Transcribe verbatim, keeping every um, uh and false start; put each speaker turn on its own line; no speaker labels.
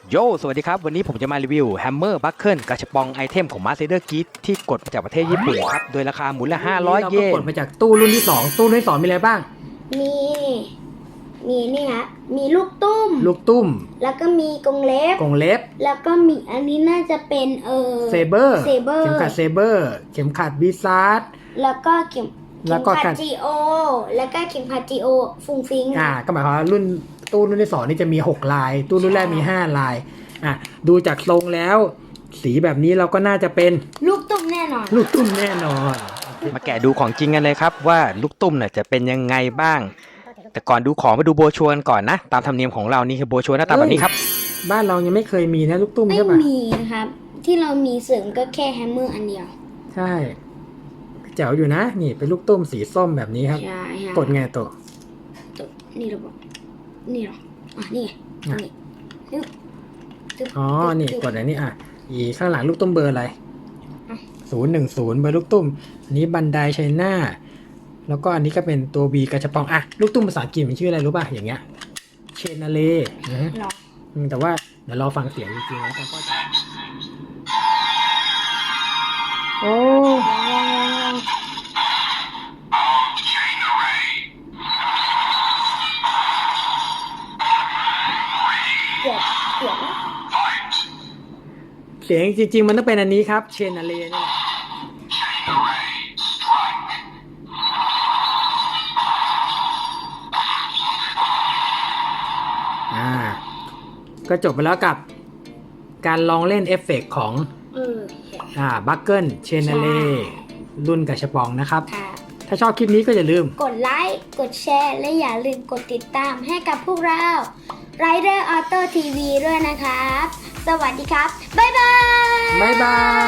โยสวัสดีครับวันนี้ผมจะมารีวิวแฮมเมอร์บัคเกิลกระชับปองไอเทมของมาสเตอร์กีที่กดมาจากประเทศญี่ปุ่นครับโดยราคาหมุนละห้าร้อยเยน
เราก็กดมาจากตู้รุ่นที่สองตู้รุ่นที่สองมีอะไรบ้าง
มีมีนี่ฮะมีลูกตุ้ม
ลูกตุ้ม
แล้วก็มีกรงเล็บ
กรงเล็บ
แล้วก็มีอันนี้น่าจะเป็นเออ
เซเบอร์
เซเบอร์
เข็มขัดเซเบอร์เข็มขัดวิซาร์ด
แล้วก็เข็ม
แล้
เข็
ว
ม
ก็
ขัดจีโอแล้วก็เข็มขัดจีโอฟุ้งฟิ้ง
อ่าก็หมายความว่ารุ่นตู้รุ่นที่สองนี่จะมีหกลายตู้รุ่นแรกมีห้าลายอ่ะดูจากทรงแล้วสีแบบนี้เราก็น่าจะเป็น
ลูกตุ้มแน่นอน
ลูกตุ้มแน่นอน
มาแกะดูของจริงกันเลยครับว่าลูกตุ้มเนี่ยจะเป็นยังไงบ้างแต่ก่อนดูของมาดูโบรชัวร์ก่อนนะตามธรรมเนียมของเรานี่คือโบรชัวร์หน้าตาแบบนี้ครับ
บ้านเรายังไม่เคยมีนะลูกตุ้ม
ไม่
ใช่ปะ
มีนะครับที่เรามีเสริมก็แค่แฮมเมอร์อันเดียว
ใช่แจ๋วอยู่นะนี่เป็นลูกตุ้มสีส้มแบบนี้ครับ
ใช่ฮะ
กดไงตัว
ตัวนี่เราบอกนี่หรออ่ะนี่นี่
อ๋อนี่กดอันนี้อ่ะอีข้างหลังลูกตุ้มเบอร์อะไรศูนย์หนึ่งศูนย์เบอร์ลูกตุ้มอันนี้บันไดไชน่าแล้วก็อันนี้ก็เป็นตัว B กระชับปองอ่ะลูกตุ้มภาษาอังกฤษมันชื่ออะไรรู้ป่ะอย่างเงี้ยเชนาเลนะแต่ว่าเดี๋ยวรอฟังเสียงจริงๆแล้วกันก็จะโอ้
เกือบเกือบ
เสียงจริงๆมันต้องเป็นอันนี้ครับเชนาเลนี่แหละอ่าก็จบไปแล้วกับการลองเล่นเอฟเฟกต์ของอ่าบัคเกิลเชนาเลรุ่นกระชับปองนะครับถ้าชอบคลิปนี้ก็อย่าลืม
กดไลค์กดแชร์และอย่าลืมกดติดตามให้กับพวกเรา Rider Auto ที วี ด้วยนะครับสวัสดีครับบ๊ายบาย
บ๊ายบาย